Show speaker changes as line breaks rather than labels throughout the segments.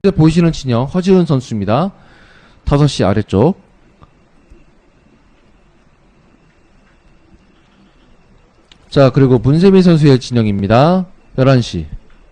보이시는 진영 허지훈 선수입니다. 5시 아래쪽. 자, 그리고 문세민 선수의 진영입니다. 11시.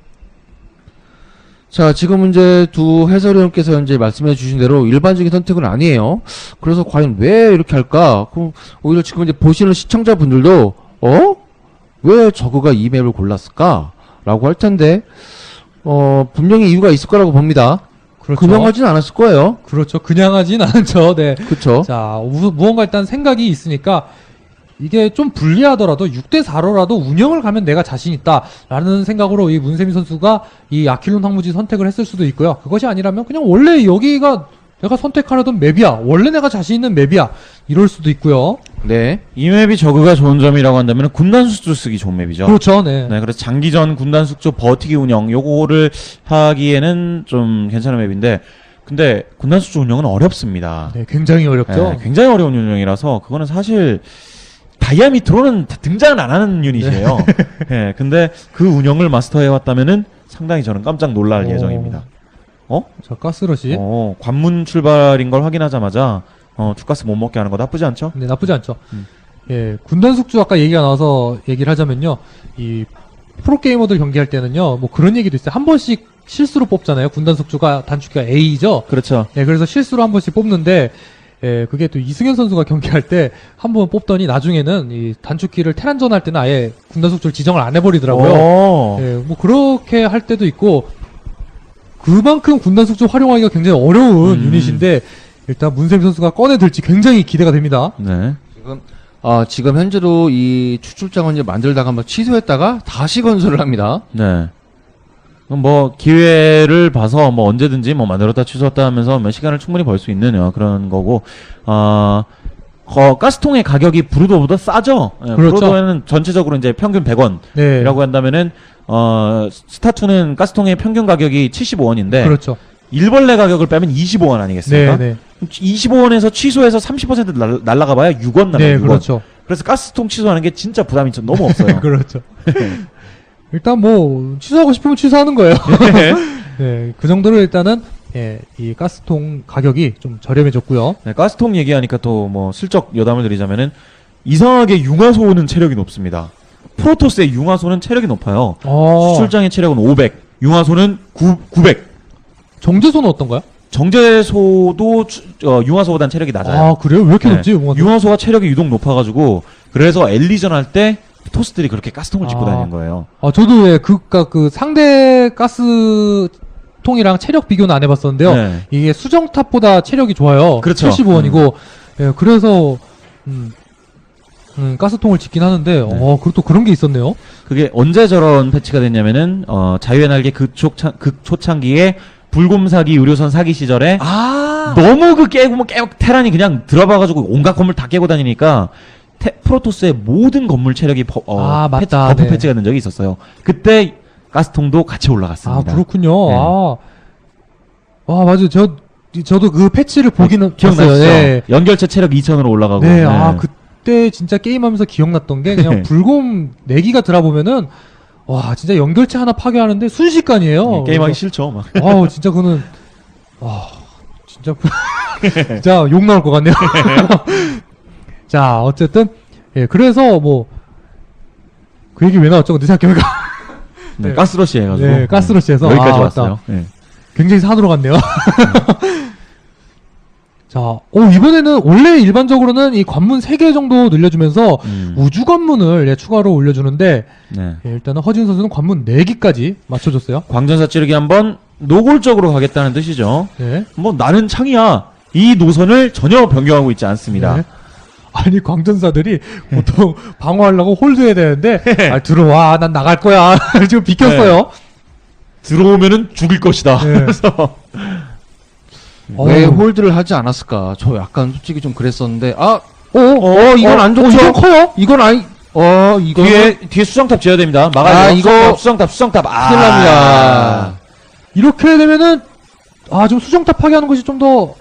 자, 지금 이제 두 해설위원께서 이제 말씀해 주신 대로 일반적인 선택은 아니에요. 그래서 과연 왜 이렇게 할까? 그럼 오히려 지금 이제 보시는 시청자분들도, 왜 저그가 이 맵을 골랐을까? 라고 할 텐데, 분명히 이유가 있을 거라고 봅니다.
그렇죠.
그냥 하진 않았을 거예요.
그렇죠. 그냥 하진 않죠. 네.
그쵸.
자, 무언가 일단 생각이 있으니까 이게 좀 불리하더라도 6대4로라도 운영을 가면 내가 자신 있다라는 생각으로 이 문세민 선수가 이 아킬론 황무지 선택을 했을 수도 있고요. 그것이 아니라면 그냥 원래 여기가 내가 선택하려던 맵이야. 원래 내가 자신 있는 맵이야. 이럴 수도 있고요.
네.
이 맵이 저그가 좋은 점이라고 한다면 군단 숙주 쓰기 좋은 맵이죠.
그렇죠. 네.
네, 그래서 장기전 군단 숙주 버티기 운영 요거를 하기에는 좀 괜찮은 맵인데, 근데 군단 숙주 운영은 어렵습니다.
네, 굉장히 어렵죠.
네, 굉장히 어려운 운영이라서 그거는 사실 다이아미트로는 등장을 안 하는 유닛이에요. 네, 근데 그 운영을 마스터해 왔다면은 상당히 저는 깜짝 놀랄 예정입니다.
자, 가스러시.
관문 출발인 걸 확인하자마자 투가스 못 먹게 하는 거 나쁘지 않죠?
네, 나쁘지 않죠. 예, 군단 숙주 아까 얘기가 나와서 얘기를 하자면요. 이 프로게이머들 경기할 때는요. 뭐 그런 얘기도 있어요. 한 번씩 실수로 뽑잖아요. 군단 숙주가 단축키가 A죠.
그렇죠.
예, 그래서 실수로 한 번씩 뽑는데 예, 그게 또 이승현 선수가 경기할 때 한 번 뽑더니 나중에는 이 단축키를 테란전 할 때는 아예 군단 숙주를 지정을 안 해버리더라고요. 예, 뭐 그렇게 할 때도 있고 그만큼 군단 숙주 활용하기가 굉장히 어려운 유닛인데 일단 문세민 선수가 꺼내들지 굉장히 기대가 됩니다.
네.
지금 현재로 이 추출장을 이제 만들다가 한번 취소했다가 다시 건설을 합니다.
네. 그럼 뭐 기회를 봐서 뭐 언제든지 뭐 만들었다 취소했다 하면서 뭐 시간을 충분히 벌 수 있는 그런 거고, 가스통의 가격이 브루도보다 싸죠. 예,
그렇죠.
브루도에는 전체적으로 이제 평균 100원이라고
네.
한다면은 스타2는 가스통의 평균 가격이 75원인데
그렇죠.
일벌레 가격을 빼면 25원 아니겠습니까?
네, 네.
25원에서 취소해서 30% 날라가 봐야 6원 남아요.
네,
6원.
그렇죠.
그래서 가스통 취소하는 게 진짜 부담이 좀 너무 없어요.
그렇죠. 일단 뭐 취소하고 싶으면 취소하는 거예요. 네, 그 정도로 일단은 예, 이 가스통 가격이 좀 저렴해졌고요.
네, 가스통 얘기하니까 또 뭐 슬쩍 여담을 드리자면은 이상하게 융화소는 체력이 높습니다. 프로토스의 융화소는 체력이 높아요. 수출장의 체력은 500, 융화소는 900.
정제소는 어떤가요?
정제소도 융화소보단 체력이 낮아요.
아, 그래요? 왜 이렇게
네.
높지?
융화소가 체력이 유독 높아가지고 그래서 엘리전 할 때 토스들이 그렇게 가스통을 짚고 다니는 거예요.
저도 예, 그 상대 가스통이랑 체력 비교는 안 해봤었는데요.
네.
이게 수정탑보다 체력이 좋아요.
그렇죠.
75원이고, 예, 그래서 가스통을 짓긴 하는데, 그리고 또 그런 게 있었네요.
그게 언제 저런 패치가 됐냐면은 자유의 날개 극초창기에 불곰사기 의료선 사기 시절에 너무 깨고 테란이 그냥 들어봐가지고 온갖 건물 다 깨고 다니니까 프로토스의 모든 건물 체력이
맞다.
버프
네.
패치가 된 적이 있었어요. 그때 가스통도 같이 올라갔습니다.
그렇군요.
네.
맞아요. 저도 그 패치를 보기는
기억나시죠?
봤어요. 네.
연결체 체력 2000으로 올라가고.
네, 그때 진짜 게임하면서 기억났던 게 그냥 불곰 내기가 들어보면은 와, 진짜 연결체 하나 파괴하는데 순식간이에요.
게임하기 싫죠, 막.
진짜 그거는 진짜 욕 나올 것 같네요. 자, 어쨌든 예, 그래서 뭐 그 얘기 왜 나왔죠? 근데 생각해보니까
네, 가스러시 해가지고.
네, 가스러시해서
여기까지 왔어요. 네.
굉장히 산으로 갔네요. 자, 이번에는 원래 일반적으로는 이 관문 3개 정도 늘려주면서 우주 관문을 추가로 올려주는데
네.
예, 일단은 허진 선수는 관문 4개까지 맞춰줬어요.
광전사 찌르기 한번 노골적으로 가겠다는 뜻이죠.
네.
뭐 나는 창이야. 이 노선을 전혀 변경하고 있지 않습니다.
네. 아니 광전사들이 보통 방어하려고 홀드해야 되는데 들어와 난 나갈 거야. 지금 비켰어요.
네. 들어오면은 죽일 것이다.
네.
그래서
왜 홀드를 하지 않았을까? 저 약간 솔직히 좀 그랬었는데,
이건 안 좋죠.
이건 커요? 이건 이거
뒤에 수정탑 지어야 됩니다. 막아야
이거
수정탑.
큰일 납니다.
이렇게 되면은 좀 수정탑 파괴하는 것이 좀 더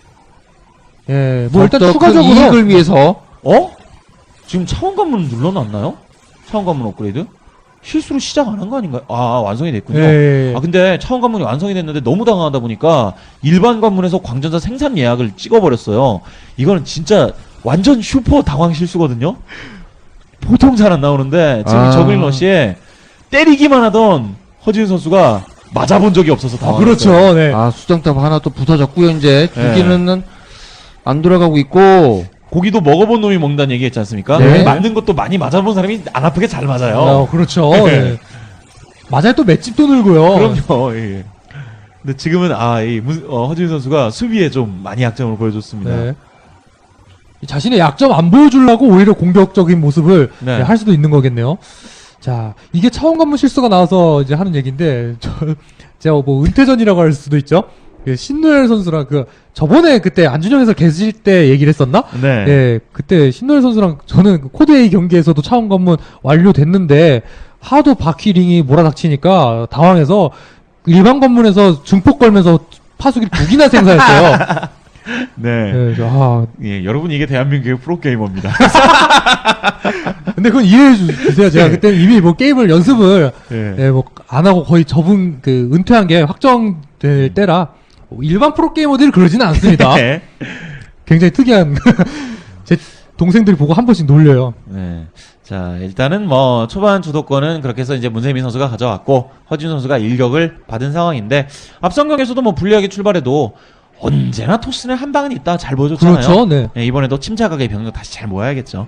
뭐 일단 추가적으로
이익을 위해서
지금 차원 관문 눌러놨나요? 차원 관문 업그레이드? 실수로 시작 안 한 거 아닌가요? 아, 완성이 됐군요.
예.
아, 근데 차원 관문이 완성이 됐는데 너무 당황하다 보니까 일반 관문에서 광전사 생산 예약을 찍어버렸어요. 이거는 진짜 완전 슈퍼 당황 실수거든요. 보통 잘 안 나오는데 지금 이 저글링 러시에 때리기만 하던 허지훈 선수가 맞아본 적이 없어서 당황했어요.
그렇죠. 네.
아, 수정탑 하나 또 부서졌고요. 이제
네.
주기는 안 돌아가고 있고.
고기도 먹어본 놈이 먹는다는 얘기 했지 않습니까?
네.
맞는 것도 많이 맞아본 사람이 안 아프게 잘 맞아요.
그렇죠. 네. 맞아요. 또 맷집도 늘고요.
그럼요. 예. 근데 지금은 허지훈 선수가 수비에 좀 많이 약점을 보여줬습니다.
네. 이 자신의 약점 안 보여주려고 오히려 공격적인 모습을
네.
할 수도 있는 거겠네요. 자, 이게 차원 관문 실수가 나와서 이제 하는 얘기인데, 제가 뭐 은퇴전이라고 할 수도 있죠. 신노엘 선수랑 저번에 그때 안준영 해설 계실 때 얘기를 했었나?
네.
예, 그때 신노엘 선수랑 저는 코드 A 경기에서도 차원 관문 완료됐는데, 하도 바퀴링이 몰아닥치니까 당황해서 일반 관문에서 중폭 걸면서 파수기를 2기나 생산했어요.
네.
네,
여러분 이게 대한민국의 프로게이머입니다.
근데 그건 이해해 주세요. 제가 그때 이미 뭐 게임을 연습을
예.
뭐 안 하고 거의 은퇴한 게 확정될 때라 일반 프로게이머들이 그러지는 않습니다.
네.
굉장히 특이한 제 동생들이 보고 한 번씩 놀려요.
네. 자, 일단은 뭐 초반 주도권은 그렇게 해서 이제 문세민 선수가 가져왔고 허진 선수가 일격을 받은 상황인데 앞선 경기에서도 뭐 불리하게 출발해도 언제나 토스는 한 방은 있다 잘 보여줬잖아요.
그렇죠. 네.
네, 이번에도 침착하게 병력 다시 잘 모아야겠죠.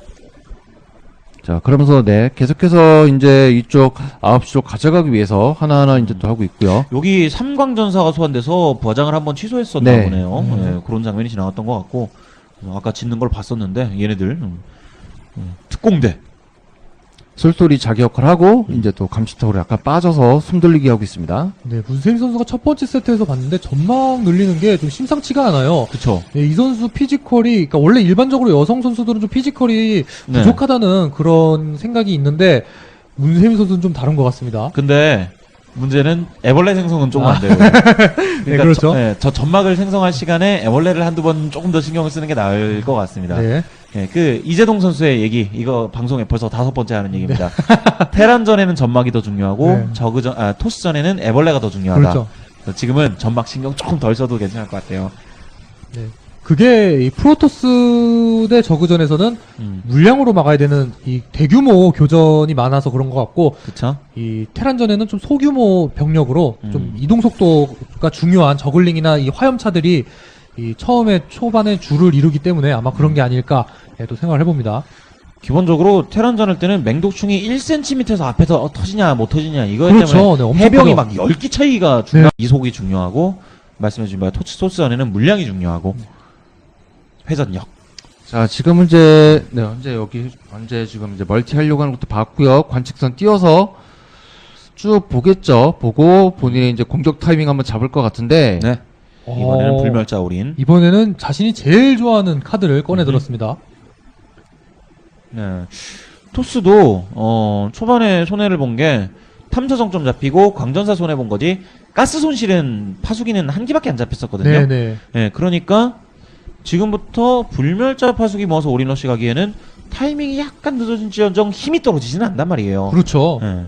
자, 그러면서 계속해서 이제 이쪽 9시 쪽 가져가기 위해서 하나하나 이제 또 하고 있고요.
여기 삼광전사가 소환돼서 부화장을 한번 취소했었나
네.
보네요. 네, 그런 장면이 지나갔던 것 같고 아까 짓는 걸 봤었는데 얘네들 특공대.
솔솔이 자기 역할을 하고 이제 또 감시탑으로 약간 빠져서 숨돌리기 하고 있습니다.
네, 문세민 선수가 첫 번째 세트에서 봤는데 전막 늘리는 게 좀 심상치가 않아요.
그쵸.
네, 이 선수 피지컬이, 그러니까 원래 일반적으로 여성 선수들은 좀 피지컬이
네.
부족하다는 그런 생각이 있는데 문세민 선수는 좀 다른 것 같습니다.
근데 문제는 애벌레 생성은 조금 안 돼요. 그러니까
네, 그렇죠.
저 점막을 생성할 시간에 애벌레를 한두 번 조금 더 신경을 쓰는 게 나을 것 같습니다.
네.
그 이재동 선수의 얘기 이거 방송에 벌써 5번째 하는 얘기입니다. 테란전에는 점막이 더 중요하고
네.
토스전에는 애벌레가 더 중요하다.
그렇죠.
그래서 지금은 점막 신경 조금 덜 써도 괜찮을 것 같아요.
네. 그게 이 프로토스 대 저그전에서는 물량으로 막아야 되는 이 대규모 교전이 많아서 그런 것 같고
그쵸?
이 테란전에는 좀 소규모 병력으로 좀 이동 속도가 중요한 저글링이나 이 화염차들이 이 처음에 초반에 줄을 이루기 때문에 아마 그런 게 아닐까 또 생각을 해봅니다.
기본적으로 테란전 할 때는 맹독충이 1cm에서 앞에서 터지냐 못 터지냐 이거에
그렇죠.
때문에
네, 엄청
해병이
크죠.
막 10기 차이가 이속이 중요하고 말씀해주신 바에 토스전에는 물량이 중요하고 회전력.
자, 지금 현재 지금 이제 멀티 하려고 하는 것도 봤고요. 관측선 띄워서 쭉 보겠죠. 보고 본인의 이제 공격 타이밍 한번 잡을 것 같은데.
네. 이번에는
어,
불멸자 올인.
이번에는 자신이 제일 좋아하는 카드를 꺼내 들었습니다.
네. 토스도 초반에 손해를 본 게 탐사 정점 잡히고 광전사 손해 본 거지. 가스 손실은 파수기는 한 기밖에 안 잡혔었거든요.
네네.
네, 그러니까 지금부터 불멸자 파수기 모아서 올인러시 가기에는 타이밍이 약간 늦어진지언정 힘이 떨어지지는 않단 말이에요.
그렇죠.
네.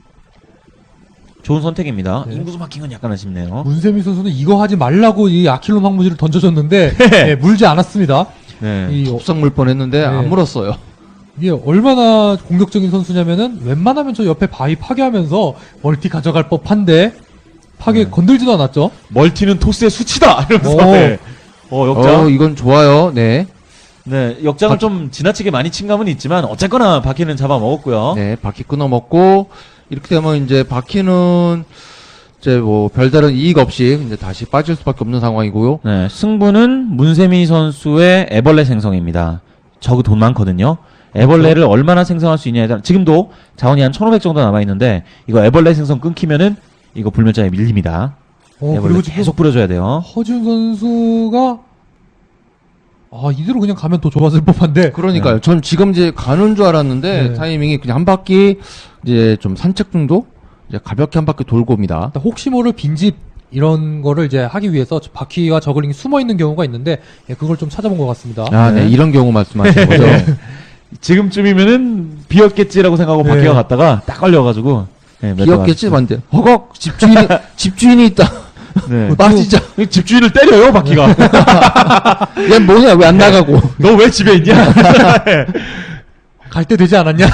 좋은 선택입니다.
네.
인구수 막힌 건 약간 아쉽네요.
문세민 선수는 이거 하지 말라고 이 아킬론 황무지를 던져줬는데 네, 물지 않았습니다.
네.
이
톱상 물 뻔했는데
네.
안 물었어요.
이게 얼마나 공격적인 선수냐면은 웬만하면 저 옆에 바위 파괴하면서 멀티 가져갈 법한데 파괴 건들지도 않았죠.
멀티는 토스의 수치다! 이러면서.
오.
네. 역장.
이건 좋아요. 네.
네, 역장을 좀 지나치게 많이 친 감은 있지만, 어쨌거나 바퀴는 잡아먹었고요.
네, 바퀴 끊어 먹고 이렇게 되면 이제 바퀴는 이제 뭐 별다른 이익 없이 이제 다시 빠질 수밖에 없는 상황이고요.
네, 승부는 문세미 선수의 애벌레 생성입니다. 저그 돈 많거든요. 애벌레를 얼마나 생성할 수 있냐에 따라 지금도 자원이 한 1500 정도 남아있는데 이거 애벌레 생성 끊기면은 이거 불멸자에 밀립니다. 애벌레
그리고 지금
계속 뿌려줘야 돼요.
허준 선수가 이대로 그냥 가면 더 좋았을 법한데
그러니까요. 전 지금 이제 가는 줄 알았는데
네.
타이밍이 그냥 한 바퀴 이제 좀 산책 정도 이제 가볍게 한 바퀴 돌고 옵니다.
혹시 모를 빈집 이런 거를 이제 하기 위해서 바퀴와 저글링이 숨어 있는 경우가 있는데 그걸 좀 찾아본 것 같습니다.
아, 네. 이런 경우 말씀하시는 거죠.
지금쯤이면은 비었겠지라고 생각하고
네.
바퀴가 갔다가 딱 걸려가지고 네,
비었겠지, 맞는데. 허걱! 집주인이 있다.
네.
빠지자.
집주인을 때려요 바퀴가.
얘 뭐냐, 왜 안 나가고.
너 왜 집에 있냐?
갈 때 되지 않았냐?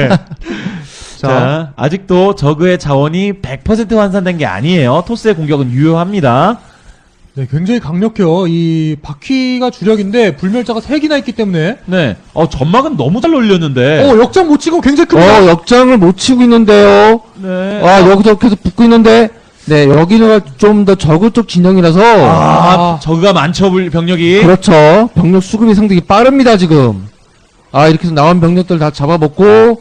자, 아직도 저그의 자원이 100% 환산된 게 아니에요. 토스의 공격은 유효합니다.
네, 굉장히 강력해요. 이 바퀴가 주력인데 불멸자가 3개나 있기 때문에
네. 전막은 너무 잘 올렸는데.
역장 못 치고 굉장히 큽니다.
역장을 못 치고 있는데요.
네.
여기서 계속 붙고 있는데, 네, 여기는 좀 더 저그 쪽 진영이라서,
저그가 많죠, 병력이.
그렇죠. 병력 수급이 상당히 빠릅니다, 지금. 이렇게 해서 나온 병력들 다 잡아먹고,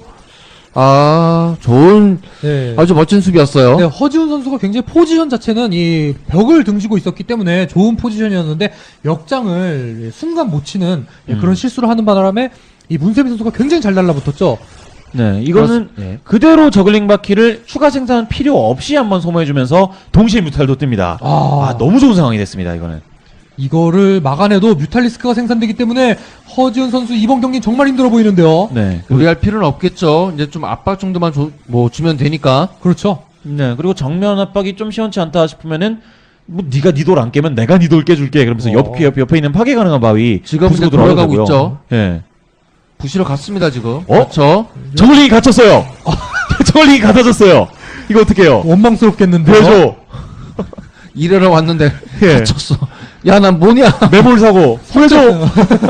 좋은,
네.
아주 멋진 수비였어요.
네, 허지훈 선수가 굉장히 포지션 자체는 이 벽을 등지고 있었기 때문에 좋은 포지션이었는데 역장을 순간 못 치는 그런 실수를 하는 바람에 이 문세빈 선수가 굉장히 잘 달라붙었죠.
네, 이거는
네.
그대로 저글링 바퀴를 추가 생산 필요 없이 한번 소모해주면서 동시에 뮤탈도 뜹니다. 너무 좋은 상황이 됐습니다, 이거는.
이거를 막아내도 뮤탈리스크가 생산되기 때문에 허지훈 선수 이번 경기 정말 힘들어 보이는데요.
네.
무리할 필요는 없겠죠. 이제 좀 압박 정도만 주면 되니까.
그렇죠.
네, 그리고 정면 압박이 좀 시원치 않다 싶으면은 네가 니 돌 안 깨면 내가 니 돌 깨줄게. 그러면서 옆에 있는 파괴 가능한 바위
지금 이제
부수고
돌아가고
들어가고요.
있죠.
예.
부시러 갔습니다, 지금.
어?
그렇죠.
저글링이 갇혔어요. 저글링이 갇혀졌어요. 이거 어떡해요?
원망스럽겠는데요.
보여줘.
일하러 왔는데,
예.
갇혔어. 야, 난 뭐냐?
매몰 사고. 보여줘.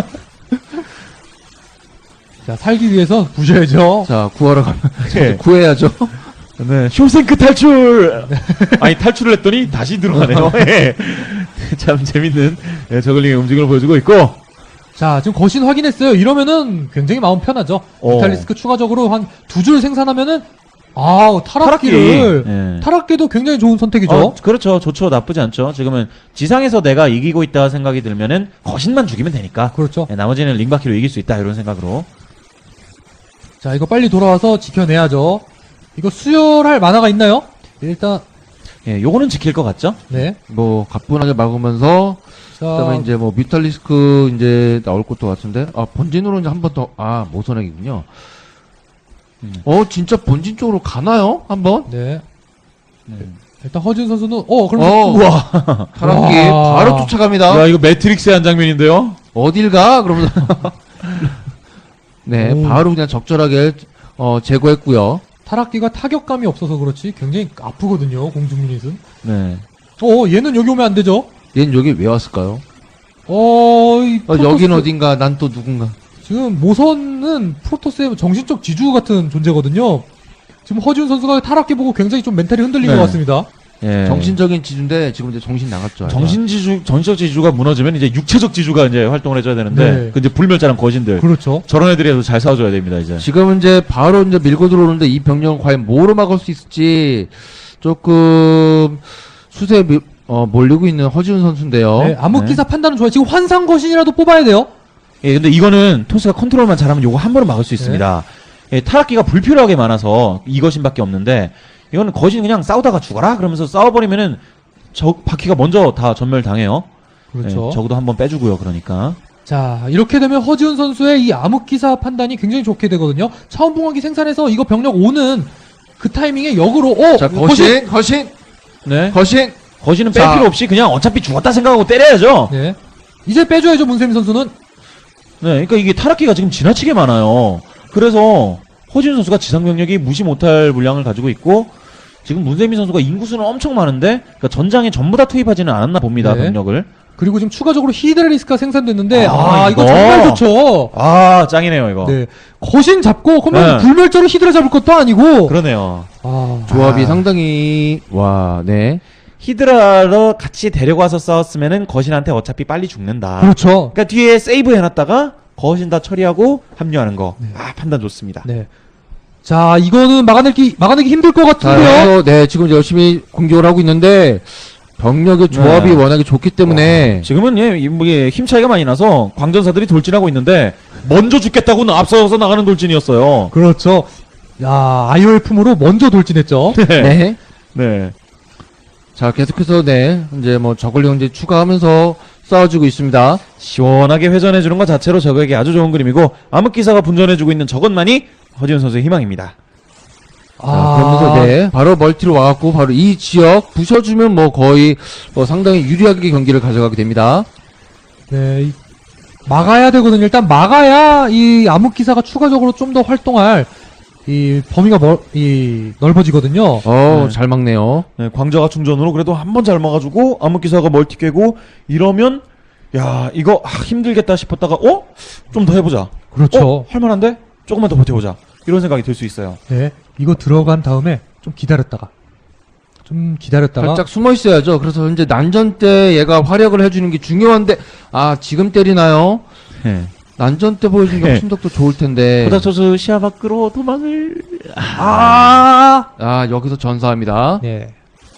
자, 살기 위해서 부셔야죠.
자, 구하러 가면,
예.
구해야죠.
네, 쇼생크 탈출! 아니, 탈출을 했더니 다시 들어가네요. 예. 참 재밌는 저글링의 움직임을 보여주고 있고.
자, 지금 거신 확인했어요. 이러면은 굉장히 마음 편하죠. 뮤탈리스크 추가적으로 한 2줄 생산하면은 타락기를
예.
타락기도 굉장히 좋은 선택이죠.
그렇죠. 좋죠. 나쁘지 않죠. 지금은 지상에서 내가 이기고 있다 생각이 들면은 거신만 죽이면 되니까.
그렇죠.
예, 나머지는 링바퀴로 이길 수 있다. 이런 생각으로.
자, 이거 빨리 돌아와서 지켜내야죠. 이거 수혈할 만화가 있나요? 일단
예, 요거는 지킬 것 같죠?
네.
가뿐하게 막으면서,
자,
그다음에 이제 뮤탈리스크 이제 나올 것도 같은데, 본진으로 이제 한 번 더, 모선액이군요. 진짜 본진 쪽으로 가나요? 한번?
네.
네.
일단 허준 선수는 그럼
우와.
타락기
와.
바로 쫓아갑니다.
야, 이거 매트릭스의 한 장면인데요?
어딜 가? 그러면서. 네,
오.
바로 그냥 적절하게, 제거했고요.
타락기가 타격감이 없어서 그렇지 굉장히 아프거든요. 공중 유닛은.
네.
얘는 여기 오면 안 되죠.
얘는 여기 왜 왔을까요?
이
여긴
프로토스-
어딘가, 난 또 누군가.
지금 모선은 프로토스의 정신적 지주 같은 존재거든요. 지금 허준 선수가 타락기 보고 굉장히 좀 멘탈이 흔들린
네.
것 같습니다.
예.
정신적인 지주인데, 지금 이제 정신 나갔죠.
정신적 지주가 무너지면 이제 육체적 지주가 이제 활동을 해줘야 되는데,
네.
그 이제 불멸자랑 거신들.
그렇죠.
저런 애들이라도 잘 싸워줘야 됩니다, 이제.
지금 이제 바로 이제 밀고 들어오는데 이 병력은 과연 뭐로 막을 수 있을지 조금 수세에 몰리고 있는 허지훈 선수인데요.
네, 암흑기사 판단은 좋아요. 지금 환상 거신이라도 뽑아야 돼요.
예, 근데 이거는 토스가 컨트롤만 잘하면 요거 한 번은 막을 수 있습니다. 예, 타락기가 불필요하게 많아서 이거신밖에 없는데, 이거는 거신 그냥 싸우다가 죽어라? 그러면서 싸워버리면은 바퀴가 먼저 다 전멸당해요.
그렇죠.
예, 적어도 한 번 빼주고요, 그러니까.
자, 이렇게 되면 허지훈 선수의 이 암흑기사 판단이 굉장히 좋게 되거든요. 차원봉화기 생산해서 이거 병력 오는 그 타이밍에 역으로
자, 거신!
네. 거신은 뺄
자.
필요 없이 그냥 어차피 죽었다 생각하고 때려야죠.
네. 이제 빼줘야죠, 문세민 선수는.
네, 그러니까 이게 타락기가 지금 지나치게 많아요. 그래서 허진 선수가 지상 병력이 무시 못할 물량을 가지고 있고, 지금 문세민 선수가 인구수는 엄청 많은데, 그러니까 전장에 전부 다 투입하지는 않았나 봅니다,
네.
병력을.
그리고 지금 추가적으로 히드라리스크가 생산됐는데
이거.
이거 정말 좋죠.
짱이네요, 이거.
네. 거신 잡고 그러면
네.
불멸자로 히드라 잡을 것도 아니고.
그러네요.
조합이 상당히, 네.
히드라로 같이 데리고 와서 싸웠으면은 거신한테 어차피 빨리 죽는다.
그렇죠.
그러니까 뒤에 세이브 해놨다가 거신 다 처리하고 합류하는 거. 판단 좋습니다.
네. 자, 이거는 막아내기 힘들 것
자,
같은데요.
그래서 지금 열심히 공격을 하고 있는데, 병력의 조합이
네.
워낙에 좋기 때문에,
지금은 이게 힘 차이가 많이 나서 광전사들이 돌진하고 있는데 먼저 죽겠다고는 앞서서 나가는 돌진이었어요.
그렇죠. 야, IOF으로 먼저 돌진했죠.
네.
네.
자, 계속해서, 이제 저글링 이제 추가하면서 싸워주고 있습니다.
시원하게 회전해주는 것 자체로 적에게 아주 좋은 그림이고, 암흑기사가 분전해주고 있는 저것만이 허지훈 선수의 희망입니다.
그러면서 네, 바로 멀티로 와갖고 바로 이 지역 부셔주면 뭐 거의 상당히 유리하게 경기를 가져가게 됩니다.
네, 막아야 되거든요. 일단 막아야 이 암흑기사가 추가적으로 좀 더 활동할 이 범위가 넓어지거든요.
네.
잘 막네요.
네, 광자가 충전으로 그래도 한 번 잘 막아주고 암흑기사가 멀티 깨고 이러면 야 이거 힘들겠다 싶었다가 좀 더 해보자.
그렇죠.
할만한데 조금만 더 버텨보자. 이런 생각이 들 수 있어요.
네, 이거 들어간 다음에 좀 기다렸다가
살짝 숨어 있어야죠. 그래서 현재 난전 때 얘가 활약을 해주는 게 중요한데 지금 때리나요?
네.
난전 때 보여준 게 훨씬 더 좋을 텐데.
고닥쳐서 시야 밖으로 도망을
여기서 전사합니다.
네.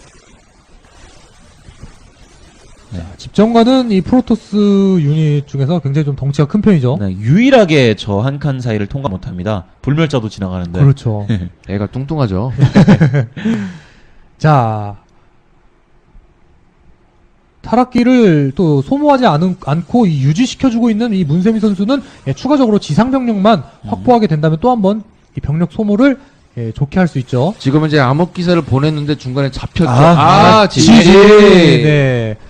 자, 집정관은 이 프로토스 유닛 중에서 굉장히 좀 덩치가 큰 편이죠.
네, 유일하게 저 한 칸 사이를 통과 못합니다. 불멸자도 지나가는데.
그렇죠.
애가 뚱뚱하죠.
자, 타락기를 또 소모하지 않고 이 유지시켜주고 있는 이 문세미 선수는 추가적으로 지상병력만 확보하게 된다면 또 한 번 이 병력 소모를 좋게 할 수 있죠.
지금은 이제 암흑기사를 보냈는데 중간에 잡혔죠.
지지.
지지.
네.